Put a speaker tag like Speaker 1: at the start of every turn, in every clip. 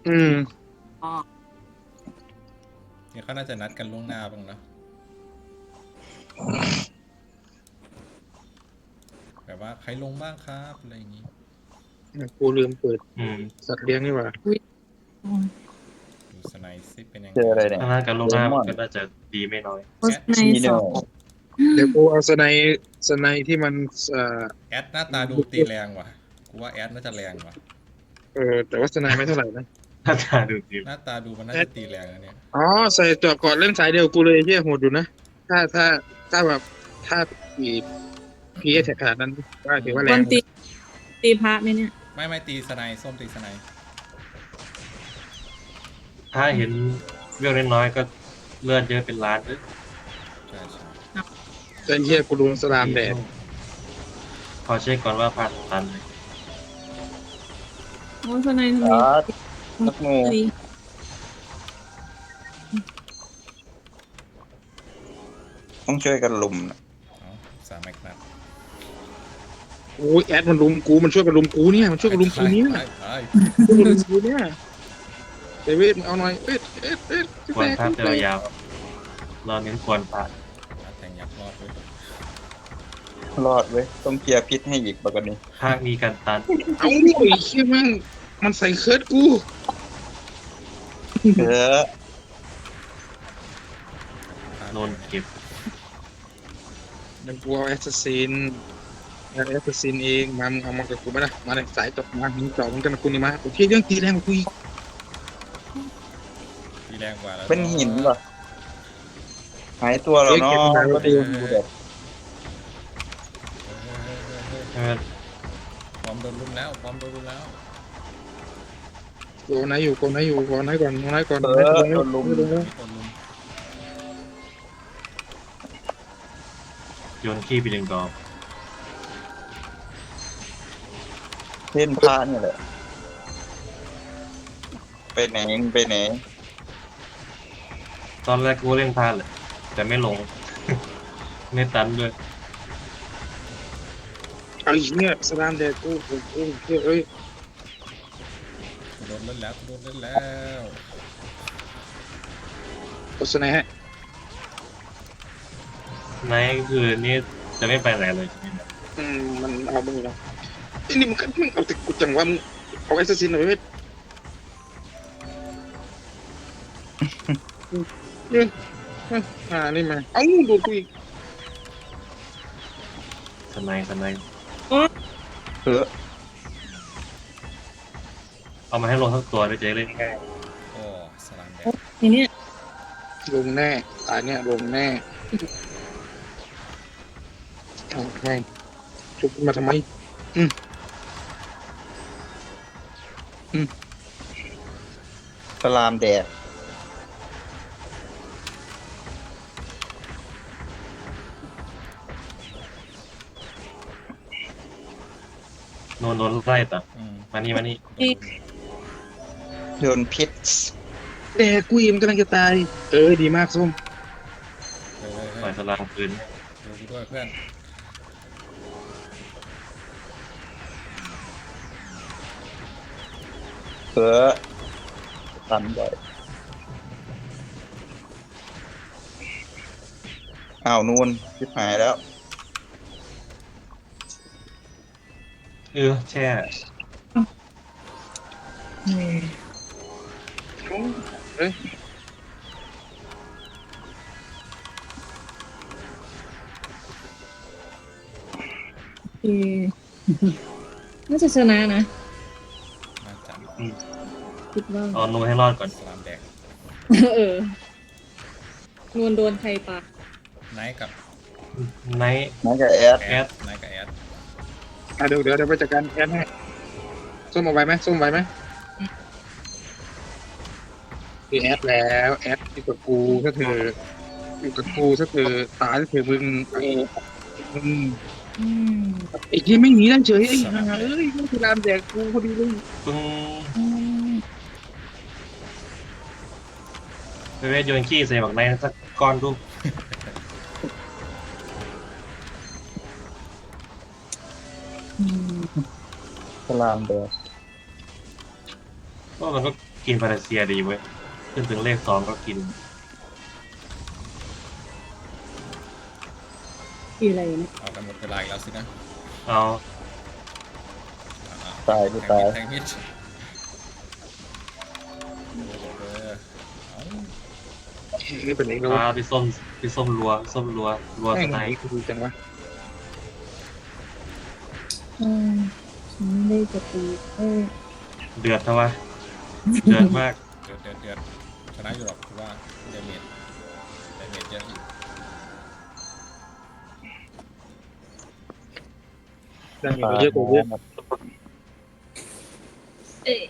Speaker 1: อืม
Speaker 2: อ๋อ
Speaker 3: เนี่ยเขาน่าจะนัดกันล่วงหน้าบ้างนะแบบว่าใครลงบ้างครับอะไรอย่างงี้
Speaker 1: กูลืมเปิด
Speaker 4: อืม
Speaker 1: สัตว์เลี้ยงนี่หว่า
Speaker 3: ดูสไนซ์ซิเป็นยัง
Speaker 5: เจ
Speaker 3: ไง
Speaker 5: ออะไรเนี่ย
Speaker 4: ถ้านัดกันล่วงหน้า
Speaker 5: เลมอน
Speaker 4: ก็น่าจะดีไม่น้อย
Speaker 2: โพสต์ใน
Speaker 5: ชีโน
Speaker 2: สอง
Speaker 1: เดี๋ยวกูเอาสไนที่มัน
Speaker 3: แอดหน้าตาดูตีแรงว่ะกูว่าแอดน่าจะแรงว่ะ
Speaker 1: แต่ว่าสไนไม่เท่าไหร่นะ
Speaker 4: ถ้าตาดูดี
Speaker 3: หน้าตาดูมันน่าจะตีแรงนะเนี่ย
Speaker 1: อ๋อใส่เจาะก่อนเล่นสายเดียวกูเลยเฮียโหดอยู่นะถ้าแบบถ้าพีเอสขนาดนั้นก็ถือว่าแร
Speaker 2: ค
Speaker 1: ง
Speaker 2: นตีพระไหมเนี่ย
Speaker 3: ไม่ตีสไนซ์ส้มตีสไนซ์
Speaker 4: ถ้าเห็นเวลน้อยๆก็เลือดเยอะเป็นล้านเลย
Speaker 3: ใช่ใช่
Speaker 1: แต่เฮียกูโดนสลามแดด
Speaker 4: พอเช็คก่อนว่าผ่านตันไหม
Speaker 2: โอ้สไนทำไม
Speaker 5: นักงู
Speaker 2: เฮ้ย
Speaker 5: ต้องช่วยกันลุมนะ
Speaker 3: เอาสามแม็กนัด
Speaker 1: โอ้ยแอดมันลุมกูมันช่วยกันลุมกูเนี่ยมันช่วยกันลุมกูเนี่ย
Speaker 3: ไป
Speaker 1: ช่วยกันลุมกูเนี่ยเดวิดมึงเอาหน่อย
Speaker 4: ควรภาพยาวๆเราเน้นควรผ่าน
Speaker 3: แทงยักษ์รอดเลย
Speaker 5: รอดเว้ยต้องเคลียร์พิษให้อีกปกติ
Speaker 4: ภาคมีการตัน
Speaker 1: เอาไอ้เชี่ยแม่งมันใส่เคิร์ดกู
Speaker 5: เออ
Speaker 4: โดนเก็บ
Speaker 1: เดี๋ยวกูเอาแอสซัสซินเองมามึงเอามากับกูไหมล่ะมาเลยสายตกมามึงจ่อมึงกันกับกูนี่มาโอเคเรื่องตีแรงกว่ากูอีก
Speaker 3: ตีแรงกว่าแล้ว
Speaker 5: เป็นหินป่ะหายตัวแล้วเนาะก็ดีดูเด็ด
Speaker 4: ใช่ไหม
Speaker 3: พร้อมโดนลุมแล้วพร้อมโดนลุมแล้ว
Speaker 1: โกไหนอยู่ก่อน
Speaker 5: เออโดนลุม
Speaker 3: มีคนลุม
Speaker 4: โยนขี้ไปหนึ่งดอก
Speaker 5: เส้นผ้าเนี่ยแหละไปไหนไปไหน
Speaker 4: ตอนแรกกูเล่นพลาดเลยแต่ไม่ลง ไม่ตันด้วย
Speaker 1: ไอ้เนี่ยสลามแดดกูเอ้ย
Speaker 3: โดนเล่นแล้วโดนเล่นแล้ว
Speaker 1: โฆษณาให้
Speaker 4: ไนท์คือนี่จะไม่ไปไหนเลยใช่ไหมเนี่ย
Speaker 1: มันเอามึงแล้วไอ้นี่มึงเอาแต่กูจังว่ามึงเอาแอสซัสซินหน่อยเว้ยนี่มาเอ้าดูกูอีก
Speaker 4: สไนด์
Speaker 5: เออ
Speaker 4: เอามาให้ลงทั้งตัวด้วยจะได้เล่นง่าย
Speaker 3: โอ้สลามแดง
Speaker 2: ทีเนี้ย
Speaker 1: ลงแน่ตายเนี่ยลงแน่เอาไงชุบมาทำไม
Speaker 5: สลามแดด
Speaker 4: โดนไล่ต่อ
Speaker 3: อืม
Speaker 4: มานี่
Speaker 5: โดนพิษ
Speaker 1: แต่กูอิ่มกำลังจะตายดีมากส้ม
Speaker 3: เฮ้ย
Speaker 4: ปล่อยสลามคืน
Speaker 3: ดูกูด้วยเพื่อน
Speaker 5: เออตันบ่อยอ้าวนูนชิบหายแล้ว
Speaker 4: แช่
Speaker 1: เอ้ย
Speaker 2: เออน่าจะชนะนะ
Speaker 3: น่าจะ
Speaker 2: คิดว่า
Speaker 4: เอานูนให้รอดก่อน
Speaker 3: สลามแดง
Speaker 2: นวลโดนใครปะ
Speaker 3: ไนท์กับ
Speaker 4: ไนท์
Speaker 5: นั่นกับแอด
Speaker 4: แอด
Speaker 3: ไนท์กับแอด
Speaker 1: เดี๋ยวไปจัดการแอนให้ส้มเอาไว้ไหมคือแอดแล้วแอดอยู่กับกูถ้าเธออยู่กับกูถ้าเธอตายถ้าเธอมึงอืม
Speaker 2: อืม
Speaker 1: ไอ้ที่ไม่หนีนั่นเฉยไอ้ห่ามันคือรามแดกกูพอดีเลย
Speaker 4: ปึ้ง
Speaker 2: อืม
Speaker 4: ไปเวทโยนขี้ใส่บักไนท์สักก้อนดู
Speaker 2: อืม
Speaker 5: สลามแดด
Speaker 4: โอ้ก็มันก็กินพาราเซียดีเว้ยขึ้นถึงเลข2ก็กิน
Speaker 2: กี่อะไรนะ
Speaker 3: เอากันหมดเวลาอีกแล้วสินะ
Speaker 4: เอา
Speaker 5: ตายกูตาย
Speaker 3: แทงมิดเอา
Speaker 1: นี่เป็นเองแล้วะ
Speaker 4: พี่ส้มรัวรัวส
Speaker 1: แม่ง
Speaker 4: ไน
Speaker 1: ไหน
Speaker 4: ป์
Speaker 1: กูดูจังวะ
Speaker 2: อืมฉันไม่ได้จะตี
Speaker 4: เดือดทวะเดือดมาก
Speaker 3: เดือดชนะอยู่หรอกคือว่าเดเมจเยอะอยู่
Speaker 1: ดังอยู่เยอะกว่าเยอะ
Speaker 2: เอ๊ะ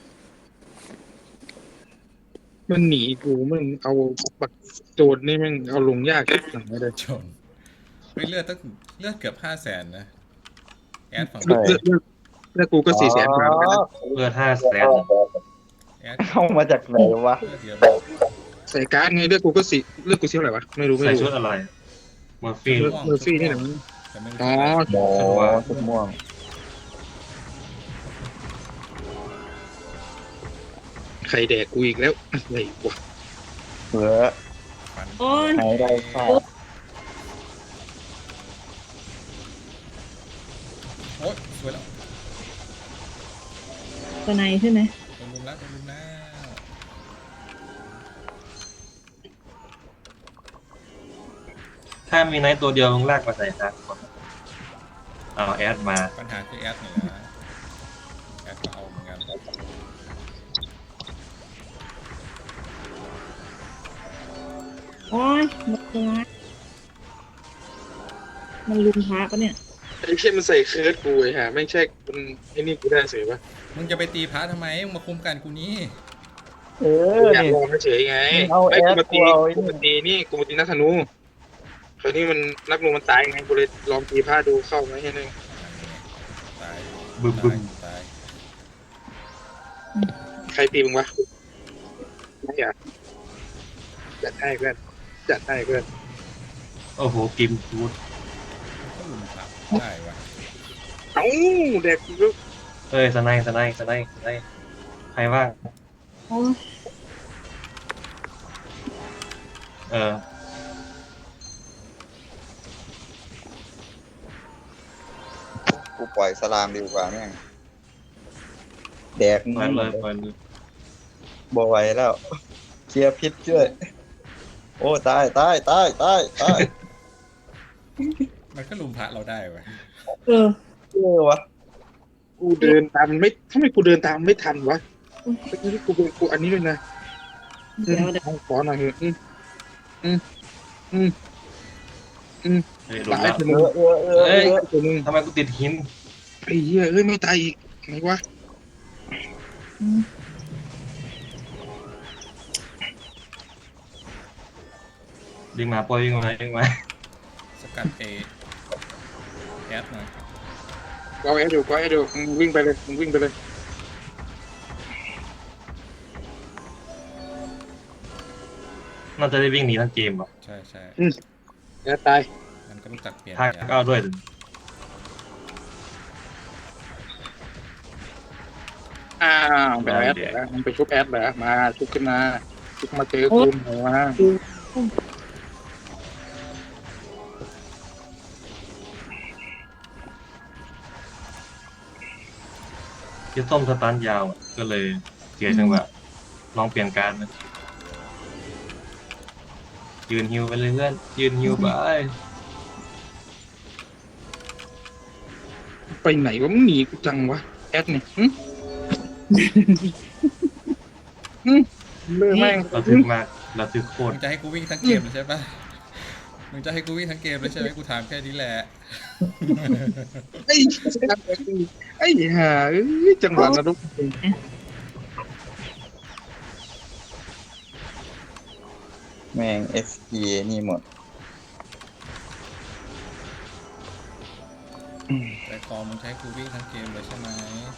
Speaker 1: มันหนีกูมันเอาบักโจดนี่มันเอาลงยากขึ้นหนังไม่ได้
Speaker 3: จนไม่เลือดเกือบ500,000นะแอดฝั่ง
Speaker 1: เลือกกูก็400,000กว่าแล้วนะ
Speaker 4: เลือด500,000
Speaker 3: แอด
Speaker 5: เข้ามาจากไหนวะ
Speaker 3: เลือดเยอะ
Speaker 1: ใส่การ์ดไงเลือกกูก็เลือกกูเท่าไหร่วะไม่รู้
Speaker 4: ใส่ชุดอะไรเมอร์ฟี่
Speaker 1: เลือกเมอร์ฟี่นี่แหละ
Speaker 3: แต่ไม่
Speaker 1: อ๋อ
Speaker 5: โอ้ชุดม่วง
Speaker 1: ใครแดกกูอีกแล้วอะไรวะ
Speaker 5: เผื่อ
Speaker 3: ฟัน
Speaker 2: โอ้ย
Speaker 5: ไหนได้ค่า
Speaker 3: โอ๊ยสวยแล้ว
Speaker 2: ตัวไหนใช่ไหม
Speaker 3: โดนลุมแล้ว
Speaker 4: ถ้ามีไนท์ตัวเดียวมึงลากมาใส่นะเอาแอดมา
Speaker 3: ปัญหาคือแอดนี่แหละแอดก็เอาเหมือนกัน
Speaker 2: โอ้ยหมดตัวมันลุมพระปะเนี่ย
Speaker 1: ไอ้เชี่ยมันใส่เคิร์ดกูไอ้ห่าไม่ใช่มันไอ้นี่กูได้เสียปะ
Speaker 3: มึงจะไปตีพระทำไมมึงมาคุมกันกูนี้
Speaker 5: เออ
Speaker 1: อยาก
Speaker 5: นี่
Speaker 1: ลองเฉยๆไง
Speaker 5: เอา
Speaker 1: ไม่กูมาตี
Speaker 5: แอดกูเอาไอ้นี่
Speaker 1: กูมาตีนี่กูมาตีนักธนูคราวนี้มันนักนูมันตายไงกูเลยลองตีผ้าดูเข้าไหมแค่นั้น
Speaker 3: ตาย
Speaker 4: บึ้มบึ้ม
Speaker 3: ตาย
Speaker 1: ใครตีมึงวะไม่อยากจัดให้เพื่อนจัดให้เพื่อน
Speaker 4: โอ้โหกิมฟูด
Speaker 3: ก็ลุมพระได้วะ
Speaker 1: เอ้าแดกกู
Speaker 4: เอ้ยสไนป์ใครว่าง
Speaker 2: โอ้ย
Speaker 4: เออ
Speaker 5: กูปล่อยสลามดีกว่าแม่งแดก
Speaker 4: เปิดเลยเปิดเลย
Speaker 5: บ่ไหวแล้วเคลียร์พิษช่วยโอ้ตาย
Speaker 3: มันก็ลุมพระเราได้วะ
Speaker 2: เออ
Speaker 5: วะ
Speaker 1: กูเดินตามไม่ทำไมกูเดินตามไม่ทันวะเมื่อกี้กูอันนี้ด้วยนะ
Speaker 2: เดี๋ยว
Speaker 1: ขอหน่อยเถอะ
Speaker 4: เฮ้ยโด
Speaker 1: ตาน ย
Speaker 4: แล้ว
Speaker 1: คนนึง
Speaker 4: เอ้ย
Speaker 1: คนนึง
Speaker 4: ทำไมกูติดหิน
Speaker 1: ไอ้เหี้ยเอ้ยไม่ตายอีกไงวะ
Speaker 2: อืม
Speaker 4: วิ่งมาปล่อยวิ่งมา
Speaker 3: สกัดแอดหน่อย
Speaker 1: ก็ไอ้ดูมึงวิ่งไปเลยมึงวิ่งไปเลย
Speaker 4: น่าจะได้วิ่งหนีทั้งเกมว่ะ
Speaker 3: ใช่
Speaker 1: แล้วตาย
Speaker 3: มันก็รู้จักเปลี่ยน
Speaker 4: ทากก็เอาด้วยดิ
Speaker 1: อ้าวแบบแอดเหรอมันไปชุบแอดเหรอมาชุบขึ้นมาชุบมาเจอกูหัว
Speaker 4: ที่ส้มสตันยาวอะก็เลยเสียจังหวะลองเปลี่ยนการนะยืนฮิวไปเลยเพื่อนยืนฮิวไป
Speaker 1: ไปไหนวะมึงหนีกูจังวะแอดเนี่ยเลื่อแม่ง
Speaker 4: เราทึกมากเราทึกโคต
Speaker 3: มึ
Speaker 4: รง
Speaker 3: จะให้กูวิ่งทั้งเกมเลยใช่ปะมึงจะให้กูวิ่งทั้งเกมเลยใช่ไหมกูถามแค่นี้แหละ
Speaker 1: ไอ้ห่าจังหวะนรก
Speaker 5: แม่ง FP นี่หมด
Speaker 3: ใจคอมึงใช้กูวิ่งทั้งเกมเลยใช่ไหม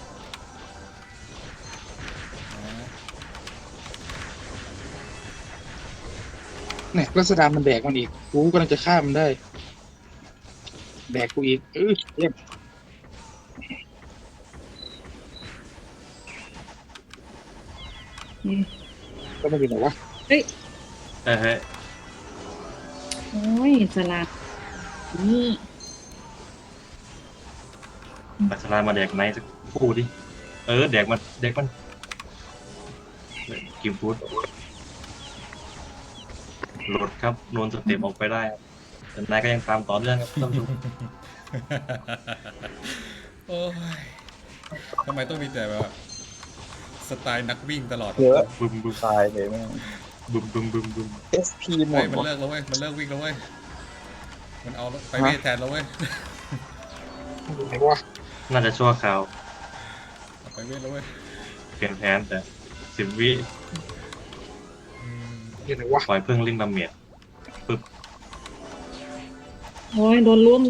Speaker 3: นะ
Speaker 1: เนี่ยรัศดามันแดกมันอีกกูกำลังจะฆ่ามันได้แดกกูอีกเยี่ยมก็ไม่เป็นไรวะ
Speaker 4: เฮ้ย
Speaker 2: โอ้ยสลัดนี่
Speaker 4: ปัสสาวะมาแดกไหนสักคู่ดิแดกมันกิมฟูดหลุดครับโดนสเต็ปออกไปได้ครับแต่นายก็ยังตามต่อเนื่องครับท่านผู้ชม
Speaker 3: โอ้ยทำไมต้องมีแต่แบบสไตล์นักวิ่งตลอด
Speaker 5: เยอะ
Speaker 4: บึมบึม
Speaker 5: ตายเลยแม่ง
Speaker 4: บึม
Speaker 5: SP หม
Speaker 3: เฮ้ย
Speaker 5: ด
Speaker 3: มัน
Speaker 5: วะ
Speaker 3: เลิกแล้วเว้ยมันเลิกวิ่งแล้วเว้ยมันเอาไปเวทแทนแล้วเว้ย
Speaker 1: ไหนวะ
Speaker 4: น่าจะชั่วคราว
Speaker 3: เอาไปเวทแล้วเว้ย
Speaker 4: เปลี่ยนแผนแต่10 วิ
Speaker 3: อืม
Speaker 1: ไหนวะ
Speaker 4: ปล่อยเพิ่งลิงดาเมจ
Speaker 2: โอ้ยโดนล้ม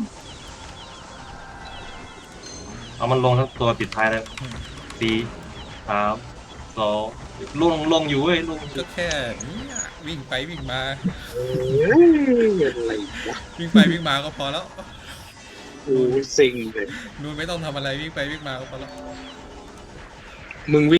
Speaker 4: เอามันลงทั้งตัวปิดท้ายแล้ว4 3 2ลงอยู่เว้ยลง
Speaker 3: ก็แค่เนี่ยวิ่งไปวิ่งมา
Speaker 1: เอ้ยอะไรวะ
Speaker 3: วิ่งไปวิ่งมาก็พอแล้ว
Speaker 1: กูซิงเลย
Speaker 3: นูนไม่ต้องทำอะไรวิ่งไปวิ่งมาก็พอแล้ว
Speaker 1: มึง